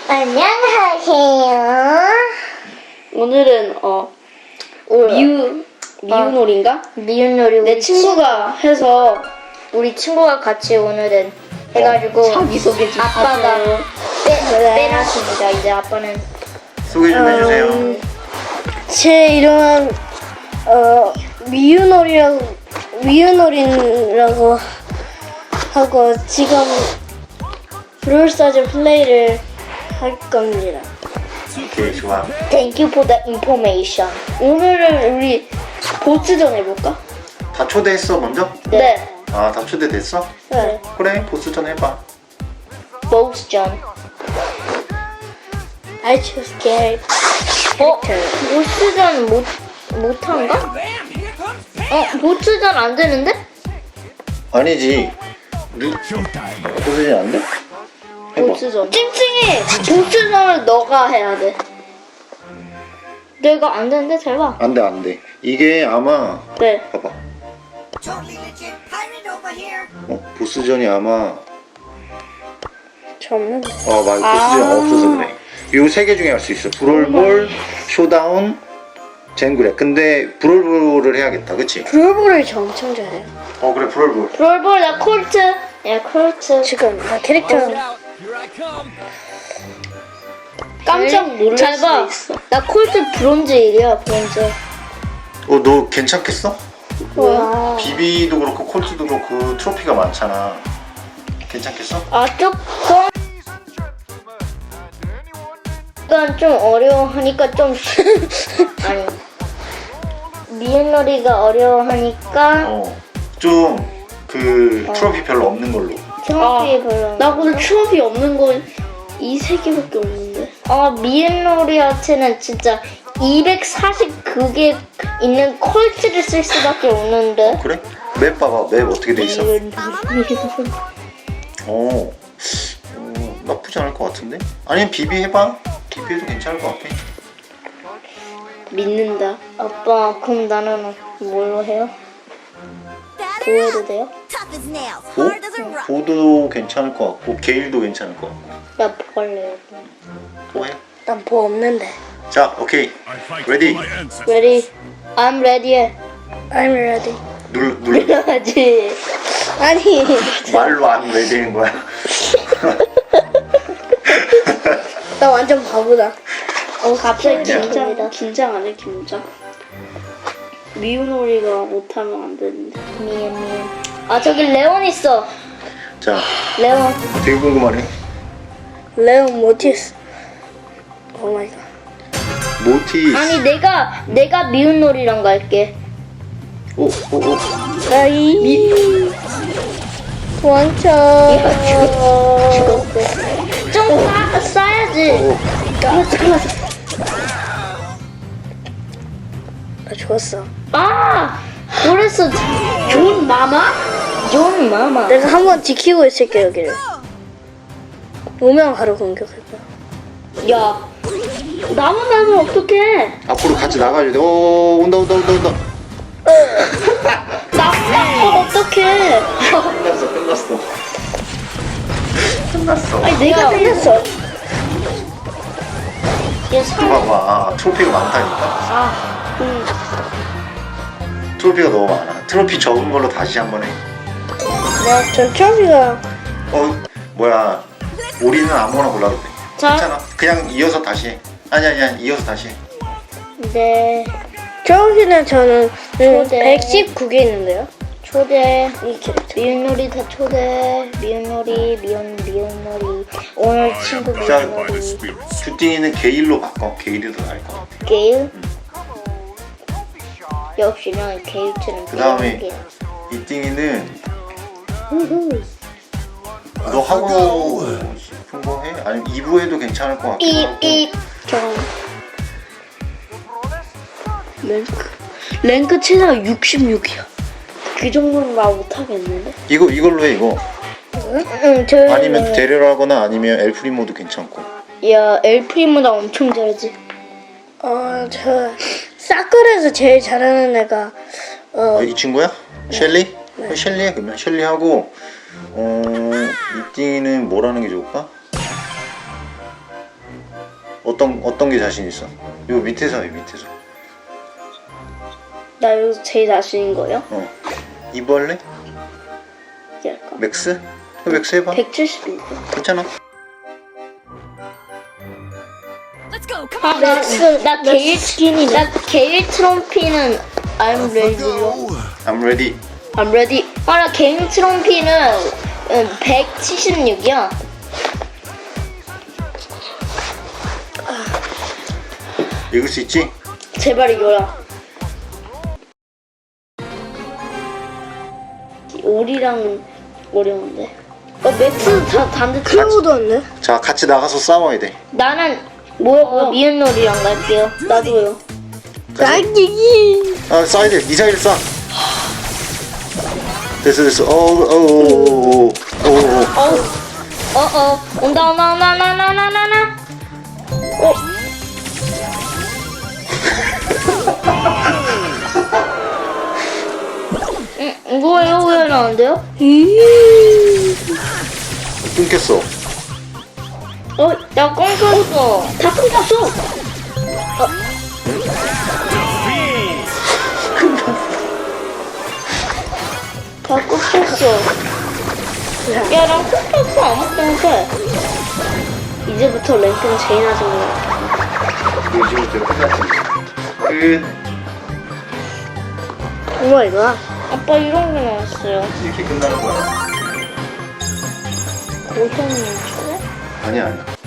안녕하세요. 오늘은 미우놀인가? 미운놀이 내 친구가 해서 우리 친구가 같이 오늘은 해가지고 자기 소개 좀 아빠가 하세요. 빼놨습니다. 이제 아빠는 소개 좀 해주세요. 제 이름은 미유놀이라고 하고 지금 브롤스타즈 플레이를 할 겁니다. 오케이, 좋아. Thank you for the information. 오늘은 우리 보스전 해볼까? 다 초대했어, 먼저? 네. 아, 다 초대됐어? 네. 그래, 보스전 해봐. 보스전. I choose Gary. 보스전 못한가? 보스전 안 되는데? 아니지. 보스전 안 돼? 해봐. 보스전. 찡찡이 보스전을 너가 해야 돼. 내가 안 되는데 잘 봐. 안 돼, 안 돼. 이게 아마, 네. 봐봐. Totally legit pirate over here. 보스전이 아마, 저 없는 거. 보스전 없어서 그래. 요 세 개 중에 할 수 있어. 브롤볼, 쇼다운, 젠그레. 근데 브롤볼을 해야겠다, 그치? 브롤볼을 저 엄청 잘해요. 그래, 브롤볼. 롤볼 나 콜트. 야 콜트. 지금 나 캐릭터 깜짝 놀랄 잘 수도 봐. 있어. 나 콜트 브론즈 1이야 브론즈. 너 괜찮겠어? 뭐야? 비비도 그렇고, 콜트도 그렇고, 트로피가 많잖아. 괜찮겠어? 조금 약간 좀 어려워하니까 좀 아니 미운놀이가 어려워하니까 좀, 트로피 별로 없는 걸로. 트로피 별로. 나 오늘 추억이 없는 건 이 세 개밖에 없는데. 미운놀이한테는 진짜 240 그게 있는 콜트를 쓸 수밖에 없는데. 그래? 맵 봐봐. 맵 어떻게 돼 있어? 나쁘지 않을 것 같은데? 아니면 비비 해봐. 비비해도 괜찮을 것 같아. 믿는다. 아빠 그럼 나는 뭘로 해요? 보여도 돼요? Tough as nails, 보? hard as a rock. 보도 괜찮을 것 같고 게일도 괜찮을 것 같고 나 볼래요. 뭐 해? 난 뭐 없는데. 자, 오케이. 레디. Ready? I'm ready. I'm ready. 눌러. 하지. 아니 말로 안 레디인 거야. 나 완전 바보다. 갑자기 긴장 안 해, 긴장. 미우놀이가 못하면 안 되는데. 미안. 저기 레온 있어. 자, 레온. 되게 궁금하네. 레온 모티스. 오 마이 갓. 모티. 아니 내가 미운놀이랑 갈게. 오. 아이 도망쳐. 죽었어. 좀 싸야지. 나 죽었어. 그래서 존 마마? 존 마마. 내가 한번 지키고 있을게 여기를. 오면 바로 공격할 거야. 야, 나만 나면 어떡해? 앞으로 같이 나가야 돼. 온다. 나 어떡해? 끝났어. 아니, 내가 끝났어. 봐봐. 트로피가 많다니까. 트로피가 너무 많아. 트로피 적은 걸로 다시 한번 해. 전 트로피가 뭐야. 우리는 아무거나 골라도 돼. 자. 괜찮아. 그냥 이어서 다시 해. 아니야. 이어서 다시 해. 네. 트로피는 저는 초대. 119개 있는데요. 초대. 이 캐릭터. 미운놀이 다 초대. 미운놀이. 오늘 친구 자, 미운놀이. 슈팅이는 게일로 바꿔. 게일이 더 나을 것 같아. 게일. 역시 난 게일처럼. 그 다음에 이띵이는 너 하고 싶은 거 해? 아니면 2부에도 괜찮을 것 같기도 하고. 랭크 최대가 66이야. 그 정도는 나 못하겠는데? 이걸로 해 이거. 저. 아니면 데려라거나 아니면 엘프리모도 괜찮고. 야 엘프리모 나 엄청 잘하지. 저 사클에서 제일 잘하는 애가 이 친구야? 셸리? 셸리 해 그러면. 셸리 하고 이띵이는 뭘 하는 게 좋을까? 어떤 게 자신 있어? 요 밑에서 해, 밑에서. 나 여기서 제일 자신인 거예요? 이벌레? 이게 할까? 맥스? 맥스 해봐. 170인데. 괜찮아. 나 게일 트럼피는 I'm ready요. I'm ready. I'm ready. 나 게일 트럼피는 176이야. 읽을 수 있지? 제발 이거야. 오리랑은 어려운데. 맥스 다 단데 클로우도 왔네. 자, 같이 나가서 싸워야 돼. 나는 미연놀이랑 갈게요. 나도요. 딸기기. 아, 쏴야 돼. 미사일 쏴. 됐어. 오. 온다. 이거 왜 나는데요? 끊겼어. 나 끊겼어. 다 끊겼어. 다 끊겼어. 야, 나 끊겼어. 아무것도 못해. 이제부터 랭크는 제일 낮은 거야. 요즘부터 끝났지. 끝. 오마이갓. 아빠 이런 게 나왔어요. 이렇게 끝나는 거야. 고현님 초대? 아니야.